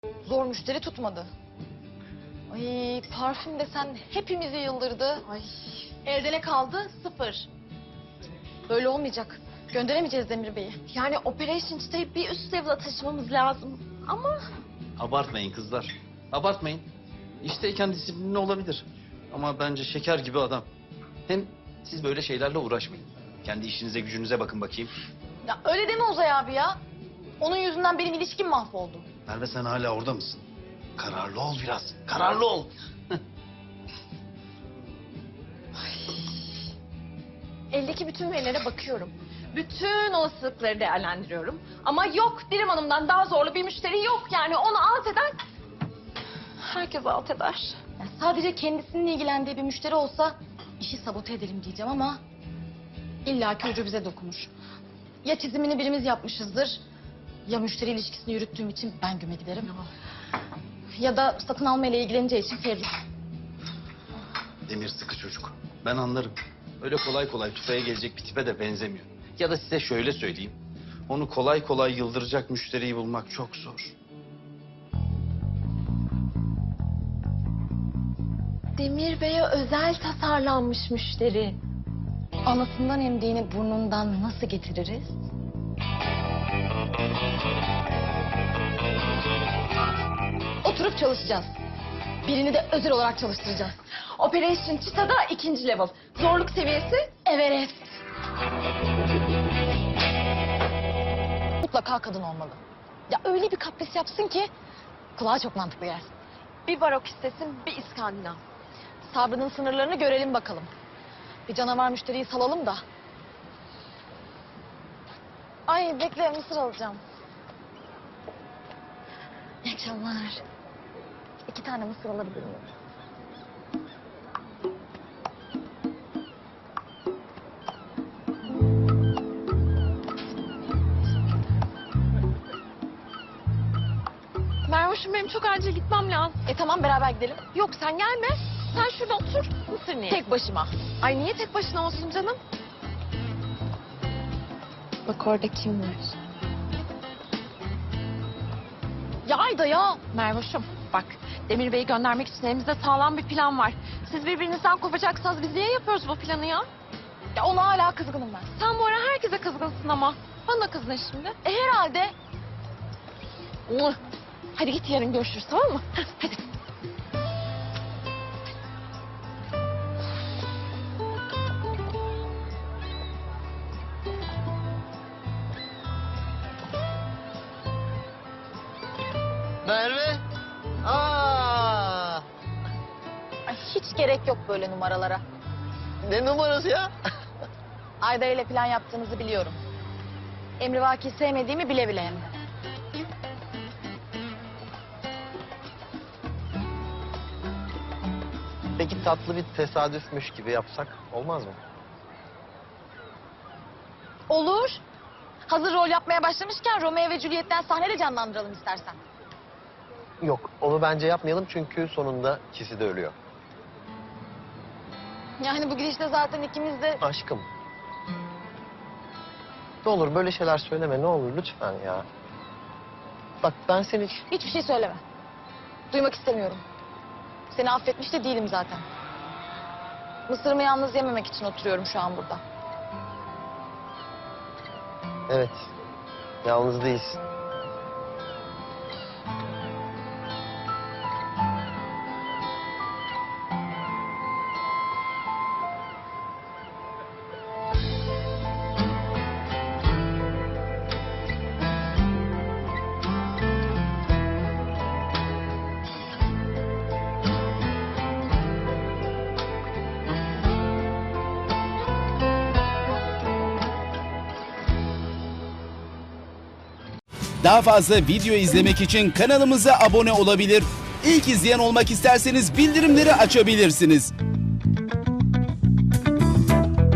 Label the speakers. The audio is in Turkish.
Speaker 1: Zor müşteri tutmadı. Ay parfüm desen hepimizi yıldırdı. Ay elde ne kaldı? 0. Böyle olmayacak. Gönderemeyeceğiz Demir Bey'i.
Speaker 2: Yani Operation Çıta'yı bir üst level'a taşımamız lazım. Ama
Speaker 3: Abartmayın kızlar. Abartmayın. İşteyken disiplinli olabilir. Ama bence şeker gibi adam. Hem siz böyle şeylerle uğraşmayın. Kendi işinize gücünüze bakın bakayım.
Speaker 1: Ya öyle deme Uzay abi ya. Onun yüzünden benim ilişkim mahvoldu.
Speaker 3: Merve sen hala orada mısın? Kararlı ol biraz. Kararlı ol.
Speaker 2: eldeki bütün verilere bakıyorum. Bütün olasılıkları değerlendiriyorum. Ama yok, Dirim Hanım'dan daha zorlu bir müşteri yok. Yani onu alt eden herkes alt eder.
Speaker 1: Ya sadece kendisinin ilgilendiği bir müşteri olsa işi sabote edelim diyeceğim ama illaki ucu bize dokunur. Ya çizimini birimiz yapmışızdır ya müşteri ilişkisini yürüttüğüm için ben güme giderim. Ya da satın alma ile ilgileneceği için Ferruh.
Speaker 3: Demir sıkı çocuk. Ben anlarım. Öyle kolay kolay tufaya gelecek bir tipe de benzemiyor. Ya da size şöyle söyleyeyim. Onu kolay kolay yıldıracak müşteriyi bulmak çok zor.
Speaker 2: Demir Bey'e özel tasarlanmış müşteri.
Speaker 1: Anasından emdiğini burnundan nasıl getiririz? Oturup çalışacağız. Birini de özel olarak çalıştıracağız.
Speaker 2: Operation Çıta'da 2. level. Zorluk seviyesi
Speaker 1: Everest. Mutlaka kadın olmalı. Ya öyle bir kapris yapsın ki kulağa çok mantıklı gelsin.
Speaker 2: bir barok istesin, bir İskandinav.
Speaker 1: Sabrının sınırlarını görelim bakalım. Bir canavar müşteriyi salalım da. Ay bekle mısır alacağım. İyi akşamlar. 2 tane mısır alabilir miyim?
Speaker 2: Mervoş'um benim çok acil gitmem lazım.
Speaker 1: Tamam beraber gidelim.
Speaker 2: Yok sen gelme. Sen şurada otur. Mısır niye?
Speaker 1: Tek başıma.
Speaker 2: Ay niye tek başına olsun canım? Bak orada kim var?
Speaker 1: Ya Ayda ya.
Speaker 2: Mervoş'um bak Demir Bey'i göndermek için elimizde sağlam bir plan var. Siz birbirinizden kopacaksanız biz niye yapıyoruz bu planı ya?
Speaker 1: Ya ona hala kızgınım ben.
Speaker 2: Sen bu ara herkese kızgınsın ama. Bana kızdın şimdi.
Speaker 1: Herhalde.
Speaker 2: Hadi git yarın görüşürüz tamam mı? Hadi.
Speaker 4: Merve. Aa!
Speaker 1: Ay, hiç gerek yok böyle numaralara.
Speaker 4: Ne numarası ya?
Speaker 1: Ayda ile plan yaptığınızı biliyorum. Emrivaki sevmediğimi bile bile hem de.
Speaker 4: Peki tatlı bir tesadüfmüş gibi yapsak olmaz mı?
Speaker 1: Olur. Hazır rol yapmaya başlamışken Romeo ve Juliet'ten sahnede canlandıralım istersen.
Speaker 4: Yok, onu bence yapmayalım çünkü sonunda ikisi de ölüyor.
Speaker 1: Yani bu gidişte zaten ikimiz de...
Speaker 4: Aşkım. Ne olur böyle şeyler söyleme ne olur lütfen ya. Bak ben seni...
Speaker 1: Hiçbir şey söyleme. Duymak istemiyorum. Seni affetmiş de değilim zaten. Mısırımı yalnız yememek için oturuyorum şu an burada.
Speaker 4: Evet, yalnız değilsin.
Speaker 5: Daha fazla video izlemek için kanalımıza abone olabilir. İlk izleyen olmak isterseniz bildirimleri açabilirsiniz.